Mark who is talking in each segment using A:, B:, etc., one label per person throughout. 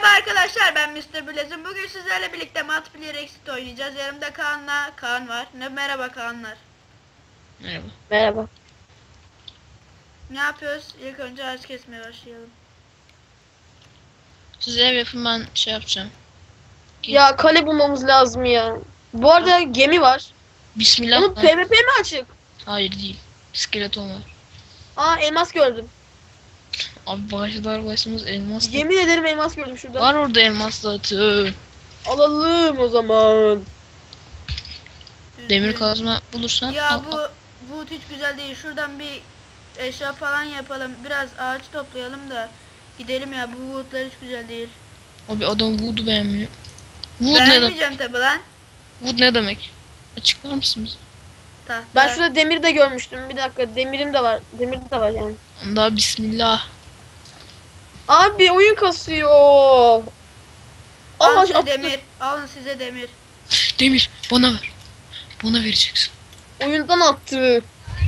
A: Merhaba arkadaşlar, ben Mr. Blazing. Bugün sizlerle birlikte Multiplayer Exit oynayacağız. Yanımda Kaan var. Merhaba Kaanlar.
B: Merhaba.
C: Merhaba.
A: Ne yapıyoruz? İlk önce ağaç kesmeye başlayalım.
B: Siz ev yapın, ben şey yapacağım.
C: Ya kale bulmamız lazım ya. Bu arada gemi var.
B: Bismillah.
C: Onun PvP mi açık?
B: Hayır değil. Skeleton var.
C: Aa, elmas gördüm.
B: Abi başımız elmas.
C: Yemin ederim elmas gördüm şurada.
B: Var orada elmas zaten.
C: Alalım o zaman.
B: Demir kazma bulursan
A: Ya
B: al.
A: bu hiç güzel değil. Şuradan bir eşya falan yapalım. Biraz ağaç toplayalım da gidelim ya. Bu woodlar hiç güzel değil.
B: Abi adam wood'u beğenmiyor. Wood ne demek?
A: Beğenmeyeceğim tabi lan.
B: Wood ne demek? Açıklar mısın bize?
A: Tahta.
C: Ben şurada demir de görmüştüm. Bir dakika, demirim de var. Demir de var yani.
B: Daha bismillah.
C: Abi oyun kasıyor.
A: Alın
C: Aa,
A: size demir. Alın size demir.
B: Demir bana ver. Bana vereceksin.
C: oyundan attı.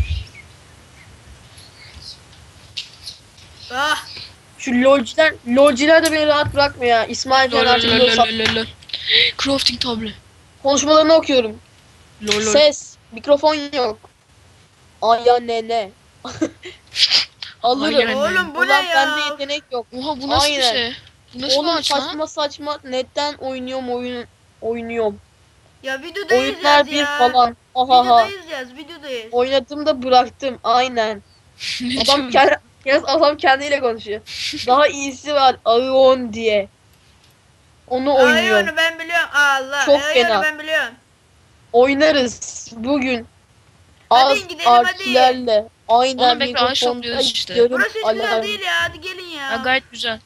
A: Ah!
C: Şu lolciler de beni rahat bırakmıyor ya. İsmail falan artık
B: Lol. Crafting table.
C: konuşmalarını okuyorum.
B: Lol.
C: Ses, mikrofon yok. Aya nene. Alırım.
B: Aynen.
A: Oğlum bu ne
C: Ulan
A: ya?
C: bende yetenek yok.
B: Oha bu nasıl bir
C: Aynen.
B: şey? Bu nasıl bir
C: Oğlum
B: ağaç lan?
C: saçma netten oynuyorum.
A: Ya videodayız
C: Oyunlar
A: yaz
C: bir
A: ya.
C: falan. Ahaha.
A: Videodayız.
C: Oynadım da bıraktım. Aynen.
B: Ne
C: Adam
B: diyorsun?
C: adam kendiyle konuşuyor. Daha iyisi var. Aeon diye. Onu oynuyor.
A: Ayonu ben biliyorum. Allah.
C: Çok
A: Ayonu
C: fena.
A: ben biliyorum.
C: Oynarız bugün.
A: Hadi
C: Az
A: gidelim, hadi.
C: artilerle. Aynen
B: Oğlum bekle, ağaç
C: mikrofonda
B: topluyoruz işte.
C: yarım
A: Burası hiç güzel
C: alarm.
A: değil ya. Hadi gelin ya.
B: Ya gayet güzel.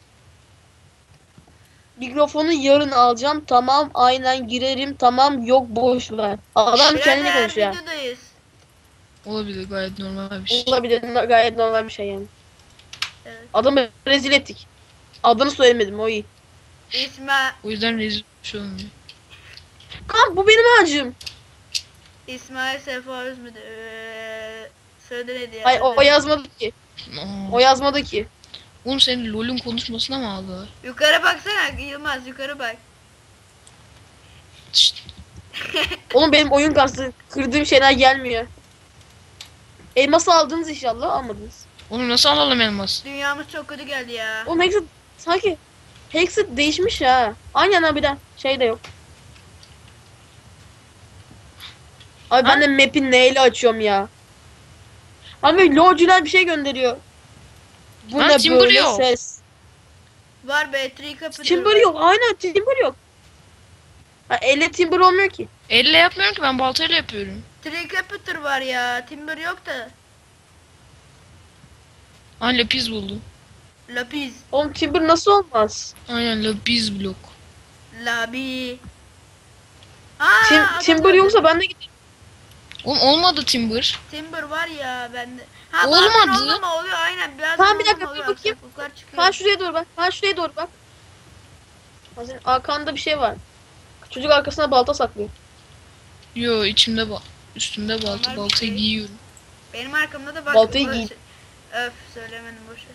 C: Mikrofonu yarın alacağım. Tamam, aynen girerim. Tamam, yok boş ver. Adam kendine
A: Birader,
C: konuşuyor.
A: videodayız.
B: Olabilir, gayet normal bir şey.
C: Olabilir, gayet normal bir şey yani.
A: Evet.
C: Adamı rezil ettik. Adını söylemedim, o iyi.
B: O yüzden rezil bir şey olmuyor.
C: Kan, bu benim ağacım.
A: İsmail Sefa Özmüdür. Söyle neydi ya?
C: Hayır, o yazmadı ki.
B: Aa.
C: O yazmadı ki.
B: Oğlum senin LoL'ün konuşmasına mı aldılar?
A: Yukarı baksana Yılmaz, yukarı bak.
B: Şşt.
C: Oğlum benim oyun kastı. Kırdığım şeyler gelmiyor. Elması aldınız inşallah, almadınız.
B: Oğlum nasıl alalım elmas?
A: Dünyamız çok kötü geldi ya.
C: Oğlum Hexit sanki Hexit değişmiş ha. Aynen harbiden şey de yok. Abi ben de map'i neyle açıyorum ya. Abi lolcular bir şey gönderiyor. Bu
B: Ha,
C: ne
B: Timber
C: böyle
B: yok.
C: ses?
A: Var be, tree kapı.
C: Timber yok. Aynen Timber yok. Ha, elle Timber olmuyor ki.
B: Elle yapmıyorum ki, ben baltayla yapıyorum.
A: Tree Capiter var ya. Timber yok da.
B: Ha, lapis buldum.
A: Lapis.
C: Oğlum Timber nasıl olmaz?
B: Aynen, lapis blok.
A: Labi. Aa,
C: Timber
A: adam
C: yoksa ben de gideyim.
B: Oğlum olmadı timber.
A: Timber var ya bende. Ha,
B: Olmadı.
A: bazen olmama oluyor aynen. Biraz
C: Tamam, bir dakika,
A: oluyor,
C: dur bakayım.
A: aksaklıklar çıkıyor.
C: Kaan şuraya doğru bak. Kaan şuraya doğru bak. Ha, senin arkanda bir şey var. Çocuk arkasına balta saklıyor.
B: Yo, içimde üstümde balta,
A: Normal bir
B: baltayı
A: şey.
B: giyiyorum.
A: Benim arkamda da bak.
C: Baltayı
A: burası-
C: giy.
A: Öf, söylemedim, boşver.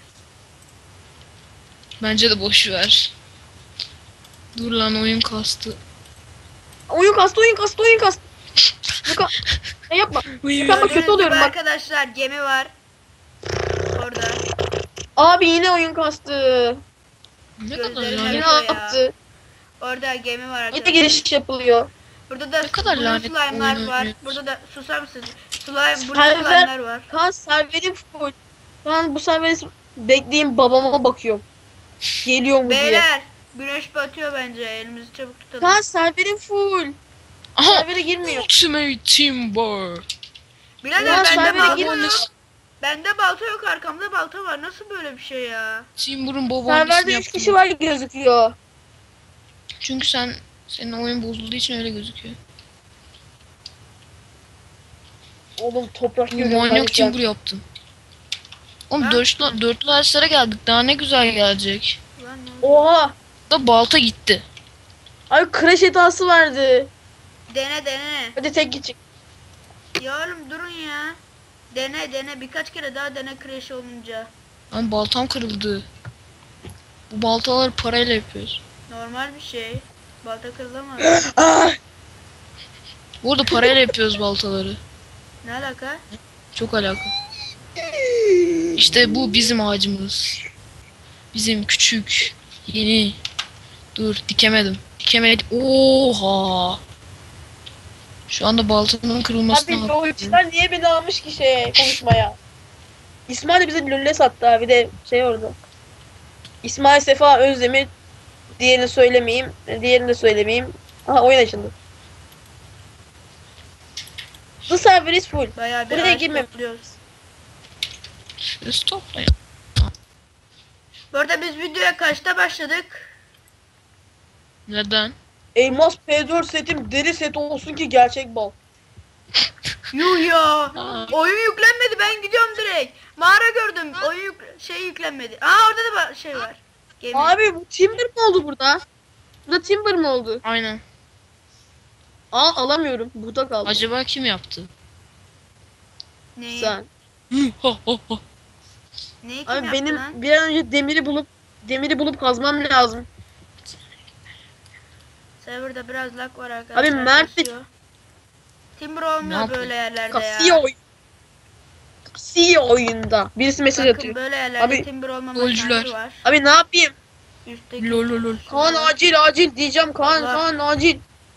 B: Bence de boş ver. Dur lan, oyun kastı.
C: Oyun kastı. Luka, ne yapma.
B: Uy,
C: Tamam, kötü
A: Gördüğünüz
C: oluyorum
A: gibi
C: bak.
A: arkadaşlar, gemi var. Orada.
C: Abi yine oyun kastı.
B: ne kadar
A: Gözlerim
B: lanet.
C: Yine
A: Evet ya.
C: yaptı.
A: Orada gemi var
C: Yine
A: arkadaşlar.
C: giriş yapılıyor.
A: Burada da
B: Ne kadar
A: blue
B: lanet
A: slime'lar
B: oyun
A: var.
B: oynuyoruz.
A: Burada da susar mısın? Blue
C: Server-
A: slime'lar var.
C: Kaan serverim full. Kaan bu serveri bekleyin, babama bakıyorum. Geliyor mu diye.
A: Beyler, güneş batıyor bence. Elimizi çabuk tutalım.
C: Kaan serverim full.
B: Aha!
C: Servere girmiyor.
B: Ultimate Timber.
A: Birader,
C: Ulan
A: bende
C: servere
A: balta
C: girmiyor.
A: yok. Bende balta yok, arkamda balta var. Nasıl böyle bir şey ya?
B: Timber'ın babaannesini
C: Serverde 3
B: yaptım.
C: kişi var gözüküyor.
B: Çünkü senin oyun bozulduğu için öyle gözüküyor.
C: Oğlum toprak
B: Bu
C: görüyorum
B: manyak
C: ben.
B: Timber yaptım. Oğlum
A: Ha?
B: dörtlü ağaçlara geldik. Daha ne güzel gelecek.
A: Ulan ne oldu?
C: Oha.
B: Da balta gitti.
C: Abi crash hatası verdi.
A: Dene.
C: Hadi tek gidecek.
A: Ya oğlum durun ya. Dene. Birkaç kere daha dene crash olunca.
B: Lan baltam kırıldı. Bu baltaları parayla yapıyoruz.
A: Normal bir şey. Balta kırılamaz.
C: Ah!
B: Bu arada parayla yapıyoruz baltaları.
A: Ne alaka?
B: Çok alaka. İşte bu bizim ağacımız. Bizim küçük, yeni. Dur dikemedim. Dikemedim. Oha. Şu anda baltanın kırılmasına
C: Abi
B: bakıyorum.
C: LoL'cular niye beni almış ki konuşmaya? İsmail bize LoL'e sattı abi, de orada. İsmail Sefa Özdemir, diğerini söylemeyeyim. Diğerini de söylemeyeyim. Aha, oyun açıldı. The server is full.
A: Bayağı bir
C: Buraya
A: ağaç
C: girmem.
A: topluyoruz.
B: Şurası toplayın.
A: Bu arada biz videoya kaçta başladık?
B: Neden?
C: Elmas P4 setim deri set olsun ki gerçek bal.
A: Yuh ya.
B: Aa.
A: Oyun yüklenmedi, ben gidiyorum direkt. Mağara gördüm. Şey yüklenmedi. Aa, orada da şey var. Gemi.
C: Abi bu Timber mi oldu burada? Burada Timber mi oldu?
B: Aynen.
C: Alamıyorum. Burada kaldı.
B: Acaba kim yaptı?
A: Neyi?
C: Sen.
A: Neyi kim
C: Abi
A: yaptı
C: benim
A: lan?
C: bir an önce demiri bulup kazmam lazım.
A: Serverda biraz lag var arkadaşlar.
C: Abi Mert de
A: kasıyor. Timber olmuyor
B: yapıyor?
A: böyle yerlerde
C: kasıyor
A: ya.
C: oyun. Kasıyor oyunda. Birisi mesaj
A: Bakın
C: atıyor.
A: böyle yerlerde
C: Abi,
A: timber olmama
B: golcüler.
A: şansı var.
C: Abi ne yapayım?
A: Üstteki.
B: Lol lol lol.
C: Kaan acil diyeceğim. Kaan
A: Allah.
C: acil.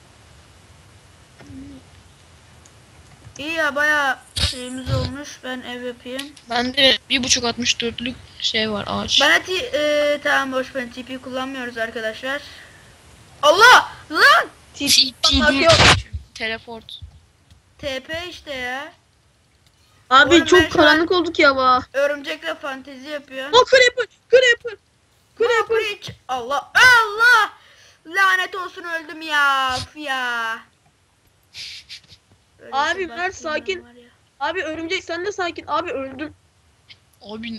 A: İyi ya, bayağı şeyimiz olmuş. Ben ev yapayım.
B: Bende 1.564'lük şey var ağaç.
A: Bana tamam, boş ver, TP kullanmıyoruz arkadaşlar. Allah! Lan!
B: TP teleport.
A: TP işte ya.
C: Abi
A: Oğlum ben
C: çok
A: şu an-
C: karanlık olduk ya ba.
A: Örümcekle fantezi yapıyor.
C: Creeper.
A: Preach. Allah! Allah! Lanet olsun, öldüm ya. Üf ya. Böyle
C: Abi,
A: bir
C: Mert,
A: baktığım
C: sakin.
A: var ya.
C: Abi örümcek sen de sakin. Abi öldüm.
B: Abi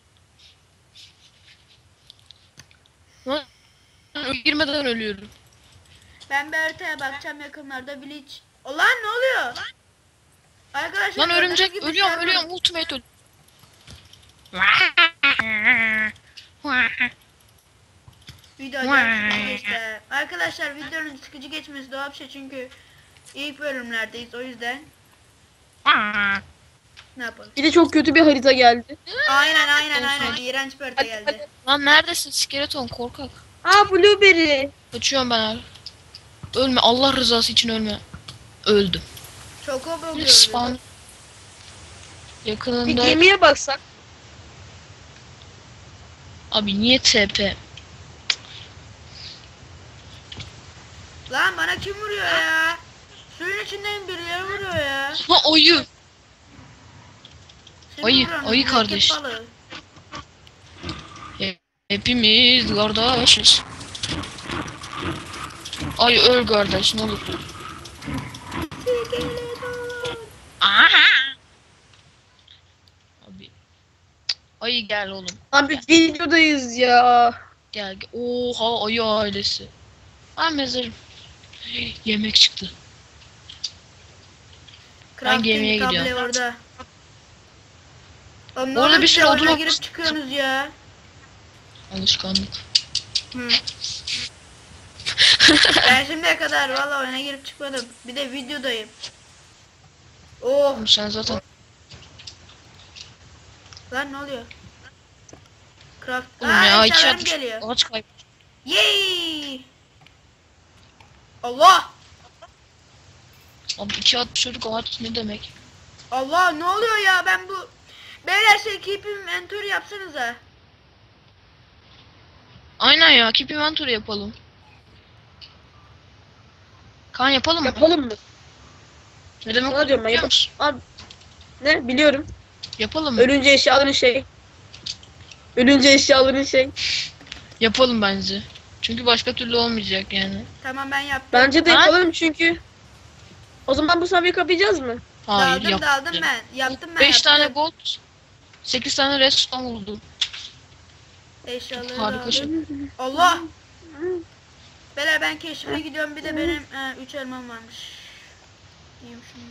B: lan girmeden ölüyorum.
A: Ben bir haritaya bakacağım yakınlarda, Bleach. Ulan ne oluyor? Arkadaşlar
B: Lan
A: gördüğünüz
B: örümcek
A: gibi
B: ölüyorum
A: server-
B: ölüyorum ultimate öl.
A: Video acayip sıkıcı geçti. Arkadaşlar videonun sıkıcı geçmesi doğal bir şey, çünkü ilk bölümlerdeyiz, o yüzden ne yapalım?
C: Bir de çok kötü bir harita geldi.
A: Aynen iğrenç bir harita geldi.
B: Lan neredesin skeleton korkak.
C: Aa, Blueberry.
B: Kaçıyorum ben abi. Ölme Allah rızası için ölme. Öldüm.
A: Chocobo
B: Bir
A: gördüm.
B: spawn.
C: Bir
B: Yakınında
C: gemiye baksak.
B: abi niye TP?
A: Lan bana kim vuruyor ya? Suyun içinden birileri vuruyor ya.
B: Ha ayı.
A: Kim
B: Ayı,
A: vuruyor?
B: ayı
A: Mürekkep
B: kardeş.
A: balığı.
B: Hepimiz kardeşiz. Ay öl kardeş ne olur. Aha. Abi. Ayı gel oğlum.
C: Abi videodayız ya.
B: Gel. Oha ayı ailesi. Ben mezarım. Yemek çıktı.
A: Crafting
B: gemiye
A: table
B: gidiyorum.
A: orada. Oğlum,
B: Orada bir sürü odun
A: oyuna
B: olmuş.
A: girip çıkıyorsunuz ya.
B: Alışkanlık.
A: Hı. Ben şimdiye kadar valla oyuna girip çıkmadım. Bir de videodayım. Oh
B: Oğlum sen zaten
A: lan, ne oluyor? Craft.
B: oğlum ya iki
A: eşyalarım
B: atmış.
A: geliyor.
B: Ağaç kayıp.
A: Yay! Allah!
B: Abi 2.60 ağaç ne demek?
A: Allah, ne oluyor ya, ben bu... Beyler şey, keep inventory yapsanıza.
B: Aynen ya keep inventory yapalım. Kaan yapalım mı?
C: Yapalım mı?
B: Ne demek
C: Sana diyorum ben,
B: biliyor musun?
C: Abi ne biliyorum.
B: Yapalım mı?
C: Ölünce eşyaların Ölünce eşyaların
B: Yapalım bence. Çünkü başka türlü olmayacak yani.
A: Tamam, ben yaptım.
C: Bence de
B: Ha?
C: yapalım çünkü. O zaman bu sefer kapayacağız mı?
B: Hayır
A: Daldım ben. Yaptım ben.
B: 5 tane
A: yaptım.
B: gold, 8 tane redstone buldum.
A: Eşyaları
B: Harika şey.
A: aldım. Allah! Beyler ben keşfe gidiyorum, bir de benim 3 elmam varmış. Yiyeyim şunu.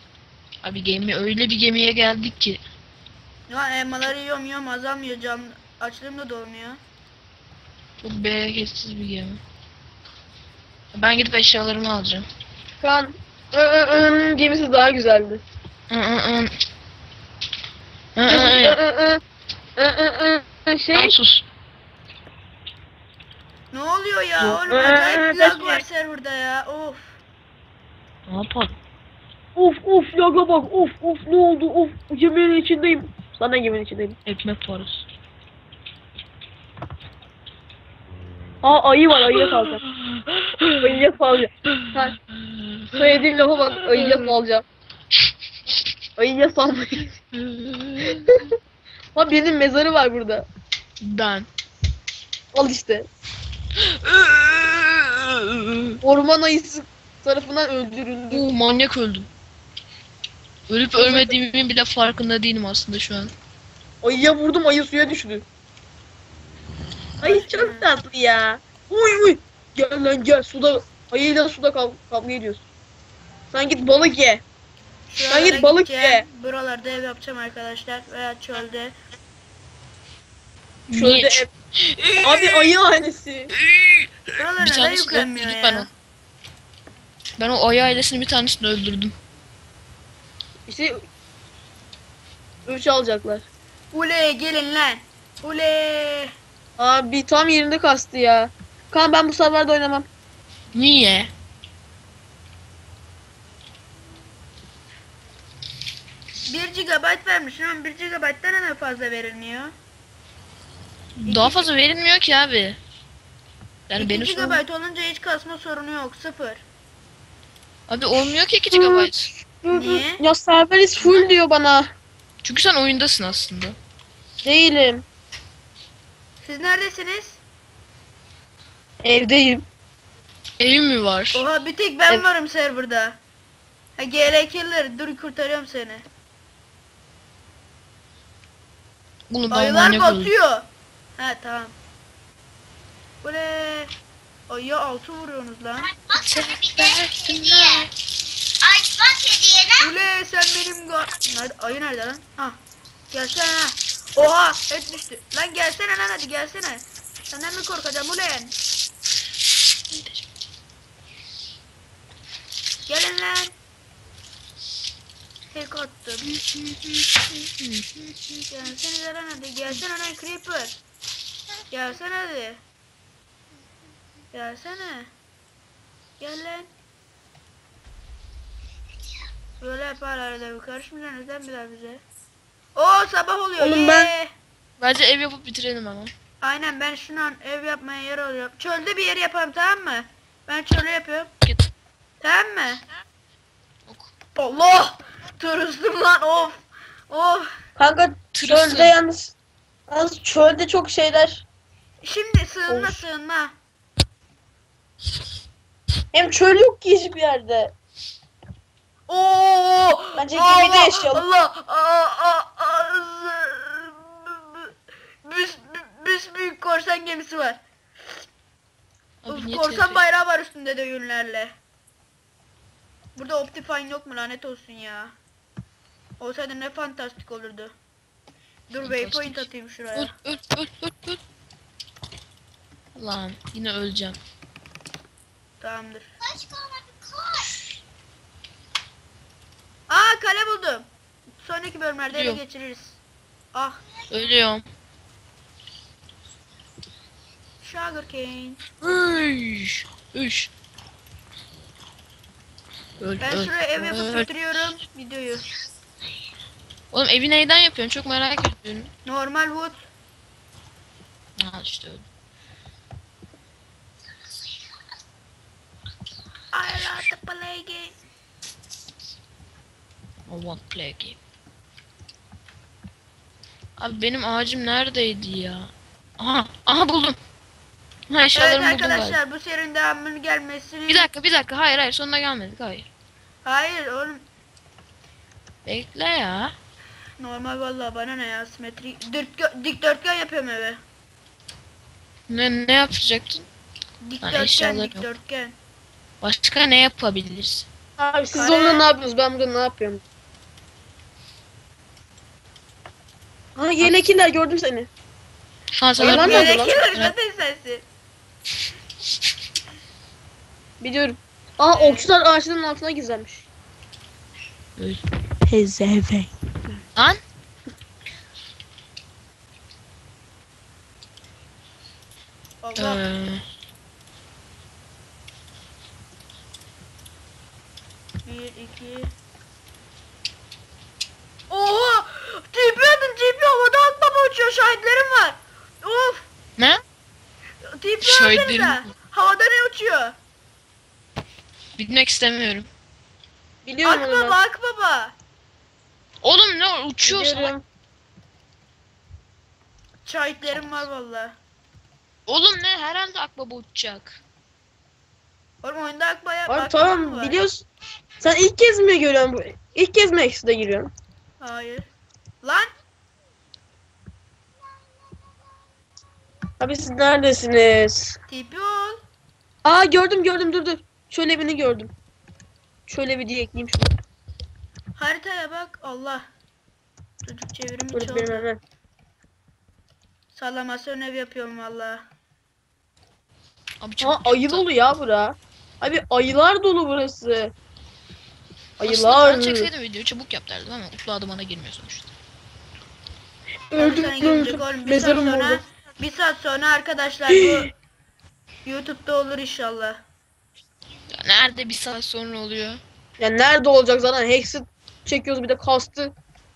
B: Abi öyle bir gemiye geldik ki.
A: Ya elmaları yiyorum azalmıyor, Açlığım da dolmuyor.
B: Çok bereketsiz bir gemi. Ben gidip eşyalarımı alacağım.
C: Kaan gemisi daha güzeldi. Şey
B: Tamam, sus.
A: Ne oluyor ya
C: Yok.
A: oğlum? Acayip lag var serverda ya. Of.
B: Ne yapalım?
C: of laga bak of ne oldu of geminin içindeyim. Sana geminin içindeyim.
B: Ekmek parası.
C: Aa ayı var ayıya salacağım. Ayıya salacağım. Ha, söylediğin lafa bak ayıya salacağım. Ayıya salmayı. Ha birinin mezarı var burada.
B: Ben.
C: Al işte. Orman ayısı tarafından öldürüldü.
B: Manyak öldüm. Ölüp ölmediğimin bile farkında değilim aslında şu an.
C: Ayıya vurdum ayı suya düştü. Ay çok tatlı ya. Uy. Gel lan gel suda. Ayıyla suda kavga ediyoruz. Sen git balık ye.
A: Şu
C: Ben git
A: arada
C: balık
A: gideceğim.
C: ye.
A: Buralarda ev yapacağım arkadaşlar. Veya çölde.
B: Niye?
C: Şöyle abi ayı ailesi.
A: Buralar
B: Bir
A: neden
B: tanesini
A: yüklenmiyor
B: öldürdük ben o.
A: ya?
B: Ben o ayı ailesinin bir tanesini öldürdüm.
C: İşte 3 alacaklar.
A: Ule gelin lan. Ule.
C: Abi tam yerinde kastı ya. Kan ben bu sefer de oynamam.
B: Niye?
A: Bir GB vermişsin ama 1 GB'dan neden fazla verilmiyor?
B: Daha fazla verilmiyor ki abi. Yani
A: 2
B: benim sorun...
A: GB olunca hiç kasma sorunu yok. 0.
B: Abi olmuyor ki 2 GB.
A: Niye?
C: Ya serveriz full diyor bana.
B: Çünkü sen oyundasın aslında.
C: Değilim.
A: Siz neredesiniz?
C: Evdeyim.
B: Evim mi var?
A: Oha bir tek ben
C: Evet.
A: varım serverda. Ha GL Killer dur kurtarıyorum seni.
B: Bunu ben
A: Ayılar
B: manyak öldüm.
A: batıyor. Ha tamam. Ule. Ayıya 6 vuruyorsunuz lan. Ule sen benim nerede? Ayı nerede lan? Ha. Gelsene ha. Oha et düştü. Lan gelsene lan hadi gelsene. Senden mi korkacağım ulen? Gelin lan. Tek attım. Gelsene lan hadi. Gelsene lan Creeper. Gelsene hadi. Gelsene. Gel lan. Böyle yapar arada bir karışmayacaksınız lan bir daha bize. Oo sabah oluyor.
C: Oğlum ben-
A: yee.
B: Bence ev yapıp bitirelim ama.
A: Aynen ben şu an ev yapmaya yer alıyorum. Çölde bir yer yapalım tamam mı? Ben çölü yapıyorum.
B: Git.
A: Tamam mı?
B: Ok.
A: Allah! Tırıstım lan of. Of.
C: Kanka
B: Tırırsın.
C: çölde yalnız çölde çok şeyler.
A: Şimdi sığınma
C: Of.
A: sığınma.
C: Hem çöl yok ki hiçbir yerde.
A: Oo!
C: Bence gemide yaşayalım.
A: Allah! Büyük korsan gemisi var.
B: Abi
A: Of,
B: niye
A: korsan
B: TP?
A: bayrağı var üstünde de yünlerle. Burada Optifine yok mu lanet olsun ya. Olsaydı ne fantastik olurdu. Dur waypoint
B: Fantastik.
A: atayım
B: Öl
A: şuraya.
B: öl. Lan yine öleceğim.
A: Tamamdır. Aa kale buldum. Sonraki bölümlerde ele
B: Yok.
A: geçiririz. Ah
B: Ölüyorum.
A: sugarcane.
B: Üş. Öl,
A: Ben
B: öl,
A: şuraya ev yapıp
B: öl.
A: bitiriyorum videoyu.
B: Oğlum evi neyden yapıyorsun? Çok merak ediyorum.
A: Normal wood.
B: Ha işte öyle.
A: I like to play game.
B: I want to play a game. Abi benim ağacım neredeydi ya? Aha buldum. Ha
A: Evet
B: eşyalarımı buldum galiba.
A: arkadaşlar bu serinin devamının gelmesini...
B: Bir dakika. Hayır sonuna gelmedik. Hayır.
A: Hayır oğlum.
B: Bekle ya.
A: Normal vallahi bana ne ya simetrik. Dikdörtgen yapıyorum eve.
B: Ne yapacaktın?
A: Dikdörtgen
B: eşyalarım yok.
A: dikdörtgen.
B: Başka ne yapabiliriz?
C: Abi siz
A: Kare.
C: orada ne yapıyorsunuz? Ben burada ne yapıyorum? Ha yelekiler gördüm seni.
B: Şu an sen
C: Hayvan nerede lan?
A: Gerekiyor zaten sensin.
C: Biliyorum. Aa okçular ağaçların altına gizlenmiş.
B: Pezeve. Lan.
A: Allah. Bir, iki. Oha! TP atın TP havada atma uçuyor şahitlerim var. Of!
B: Ne?
A: TP
B: Şahitlerim
A: atsanıza.
B: mi?
A: Havada ne uçuyor?
B: Bilmek istemiyorum.
C: Biliyorum onu ben.
A: Akbaba akbaba.
B: Oğlum ne uçuyor salak.
C: Biliyorum.
A: Şahitlerim var valla.
B: Oğlum ne herhalde akbaba uçacak.
A: Oğlum oyunda akbaba
C: Abi
A: akbaba mı
C: tamam
A: var?
C: biliyorsun. Sen ilk kez mi görüyorsun bu? İlk kez mi Exo'da giriyorsun?
A: Hayır. Lan
C: Abi siz neredesiniz?
A: TP ol.
C: Aa gördüm dur. Şöyle birini gördüm. Şöyle bir diye ekleyeyim şunu.
A: Haritaya bak Allah. Çocuk çevirimi
C: Dur benim
A: çaldı.
C: hemen.
A: Sallamasyon ev yapıyorum valla.
B: Abi
C: Aa
B: çok
C: ayı dolu ya bura. Abi ayılar dolu burası.
B: Aslında
C: Ayılar.
B: ben çekseydim videoyu çabuk yap derdim ama utlu adı bana girmiyor sonuçta.
C: Öldüm
A: Sana gelecek oğlum. Bir saat
C: Mezarım
A: sonra,
C: oldu.
A: bir saat sonra arkadaşlar bu YouTube'da olur inşallah.
B: Ya nerede bir saat sonra oluyor?
C: Ya nerede olacak zaten Hex'i çekiyoruz bir de kastı.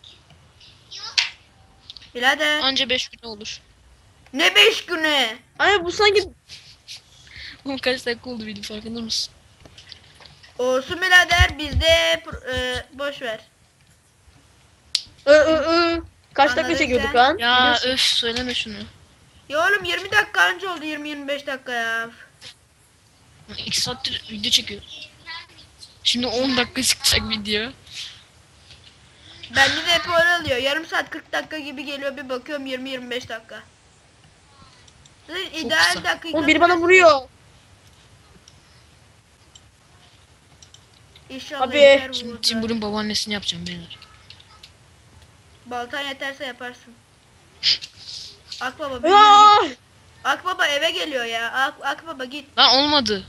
A: Birader.
B: Anca 5 gün olur.
A: Ne 5 güne?
C: Ay bu sanki
B: Oğlum kaç dakika oldu video farkında mısın?
A: Olsun birader bizde boş ver.
C: Kaç dakika
A: Anladık
C: çekiyorduk
A: sen.
C: lan?
B: Ya
C: Biliyorsun.
B: öf söyleme şunu.
A: Ya oğlum 20 dakika önce oldu 20-25 dakika ya.
B: 2 saattir video çekiyoruz. Şimdi 10 dakika çıkacak video.
A: Bende de hep öyle oluyor. Yarım saat 40 dakika gibi geliyor bir bakıyorum 20-25 dakika. Zaten ideal
B: kısa.
A: dakika.
C: Oğlum biri bana vuruyor.
A: İnşallah
C: Abi.
A: yeter bu
B: Şimdi
A: vurdu.
B: Timur'un babaannesini yapacağım beyler.
A: Baltan yeterse yaparsın. Akbaba bir yürü
C: Aa!
A: git. Akbaba eve geliyor ya. Akbaba git.
B: Lan olmadı.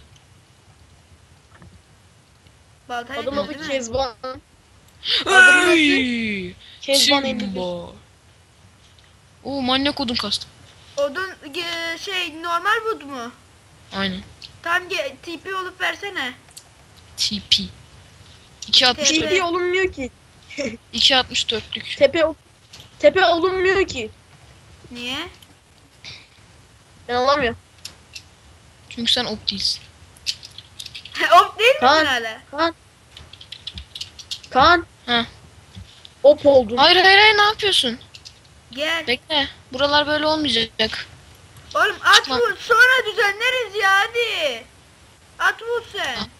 A: Baltan
C: Adamın
A: yetmez
C: adı
A: değil mi?
C: Kezban. Adamın adı
B: Hey!
C: Kezban 51.
B: Timbo. Oo manyak odun kastım.
A: Odun normal wood mu?
B: Aynen.
A: Tam TP olup versene.
B: TP. 2.64.
C: TP olunmuyor ki.
B: 2.64'lük.
C: Tepe olunmuyor ki.
A: Niye?
C: Ben alamıyorum.
B: Çünkü sen op değilsin.
A: Op değil misin
C: Kaan.
A: hala?
C: Kaan.
B: Heh.
C: Op oldum.
B: Hayır hayır hayır ne yapıyorsun?
A: Gel.
B: Bekle. Buralar böyle olmayacak.
A: Oğlum at
B: Çıkma.
A: vur sonra düzenleriz ya hadi. At vur sen.
B: Ah.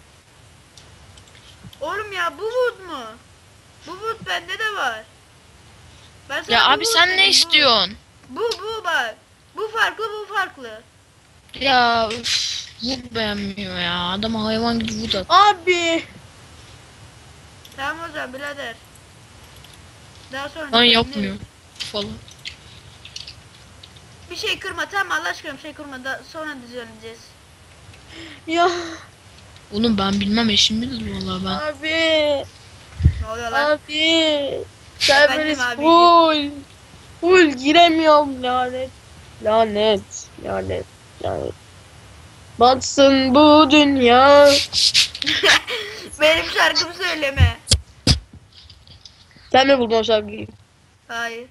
A: Oğlum ya bu wood mu? Bu wood bende de var. Ben sana
B: Ya
A: bu
B: abi
A: wood
B: sen
A: dedim,
B: ne
A: bu.
B: istiyorsun?
A: Bu bak. Bu farklı bu farklı.
B: Ya üf. Wood beğenmiyor ya. Adama hayvan gibi wood at.
C: Abi.
A: Tamam o zaman birader. Daha sonra
B: Lan
A: düzenleriz.
B: yapmıyor. Falan.
A: Bir şey kırma tamam Allah aşkına bir şey kırma da sonra düzenleyeceğiz.
C: Ya.
B: Oğlum ben bilmem eşim bilir vallahi ben.
C: Abi.
A: Ne oluyor lan?
C: Abi. Serveriz
A: abi.
C: full. Full giremiyorum lanet. Lanet. Batsın bu dünya.
A: Benim şarkımı söyleme.
C: Sen mi buldun o şarkıyı?
A: Hayır.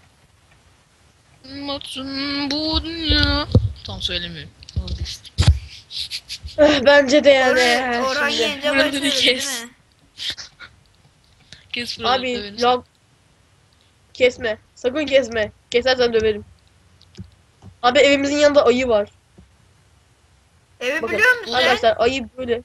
B: Matsun bu dünya. Tam söylemiyorum. Vazgeçtim.
C: Bence de yani.
A: Orhan
C: Şimdi.
A: Gencebay
B: Buraları
A: söyledi
B: kes.
A: değil mi?
B: Kes buraları
C: Abi
B: döveriz.
C: lag. Kesme. Sakın kesme. Kesersen döverim. Abi evimizin yanında ayı var.
A: Evi
C: Bakın
A: biliyor musun sen?
C: arkadaşlar ayı böyle.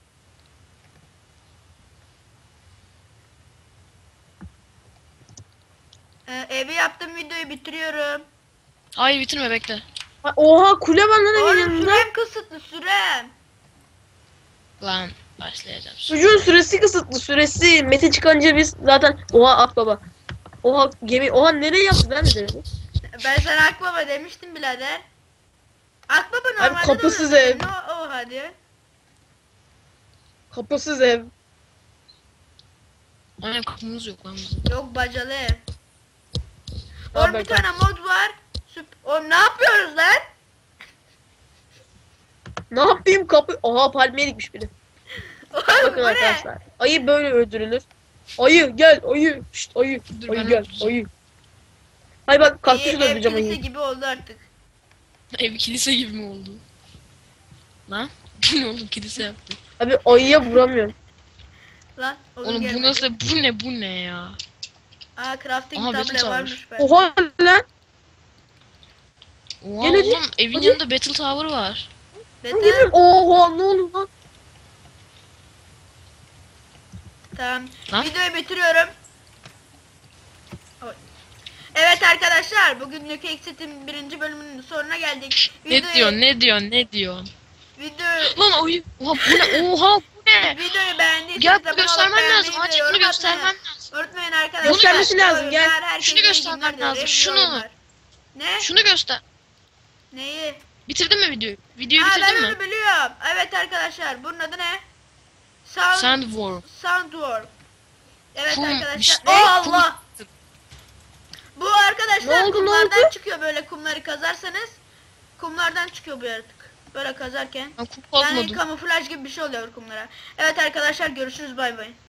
A: Evi yaptım videoyu bitiriyorum.
B: Hayır bitirme bekle.
C: Ha, oha kule var lan evin
A: Oğlum
C: yanında.
A: sürem kısıtlı sürem.
B: Lan başlayacağım.
C: Çocuğun süresi kısıtlı süresi. Mete çıkınca biz zaten oha at baba. Oha gemi oha nereye yaptı ben de denedim.
A: Ben sana Akbaba demiştim birader. Akbaba
C: Abi
A: normalde
C: kapısız
A: de
C: ev.
A: o hadi.
C: Kapısız ev.
B: Aynen kapımız yok lan bizim.
A: Yok bacalı ev.
C: Abi
A: Oğlum
C: ben
A: bir tane mod var. Oğlum ne yapıyoruz lan?
C: Ne yapayım kapı? Oha palmiye dikmiş biri.
A: Oğlum
C: Bakın
A: bu ne?
C: arkadaşlar. Ayı böyle öldürülür. Ayı gel ayı. Şşt ayı.
B: Dur,
C: Ayı
B: ben
C: gel
B: öldüreceğim.
C: ayı. Hay bak kaktüsü
A: Ev
C: öldüreceğim
A: kilise
C: ayıyı.
A: gibi oldu artık.
B: Ev kilise gibi mi oldu? Lan? Ne oldu kilise yaptı.
C: Abi ayıya vuramıyorum.
A: Lan
B: Oğlum bu
A: gelmedi.
B: nasıl bu ne ya?
A: Aa crafting
B: Aha,
A: table
B: Battle
A: varmış be.
C: Oha lan.
B: Oha
C: Gel hadi,
B: oğlum evin
C: hadi.
B: yanında Battle Tower var.
C: Lan geliyorum. Oha ne oluyor lan?
A: Tamam.
B: Lan?
A: Videoyu bitiriyorum. Oy. Evet arkadaşlar bugünlük Exit'in 1. bölümünün sonuna geldik.
B: Ne diyorsun?
A: Videoyu,
B: Lan ayı. Oha bu ne? Oha bu ne?
A: videoyu beğendiyseniz
B: Gel
A: abone olup
B: göstermen
A: beğenmeyi
B: lazım.
A: ve
B: Aç
A: yorum
B: bunu
A: atmayı
B: göstermen lazım.
A: unutmayın arkadaşlar.
C: Göstermesi lazım, gel.
A: Herkese
B: Şunu
A: iyi
B: göstermen
A: günler dilerim,
B: lazım,
A: iyi
B: şunu.
A: oyunlar. Ne?
B: Şunu göster.
A: Neyi?
B: Bitirdin mi videoyu? Videoyu
A: Aa ben
B: bitirdin mi?
A: onu biliyorum. Evet arkadaşlar bunun adı ne? Sound,
B: Sandworm.
A: Soundworm. Evet
B: Kum,
A: arkadaşlar.
B: işte
A: Oh Allah.
B: kum.
A: Bu arkadaşlar
C: Ne oldu, ne
A: kumlardan
C: oldu?
A: çıkıyor böyle kumları kazarsanız. Kumlardan çıkıyor bu yaratık. Böyle kazarken.
B: Ben kum
A: Yani
B: kazmadım.
A: kamuflaj gibi bir şey oluyor kumlara. Evet arkadaşlar görüşürüz bay bay.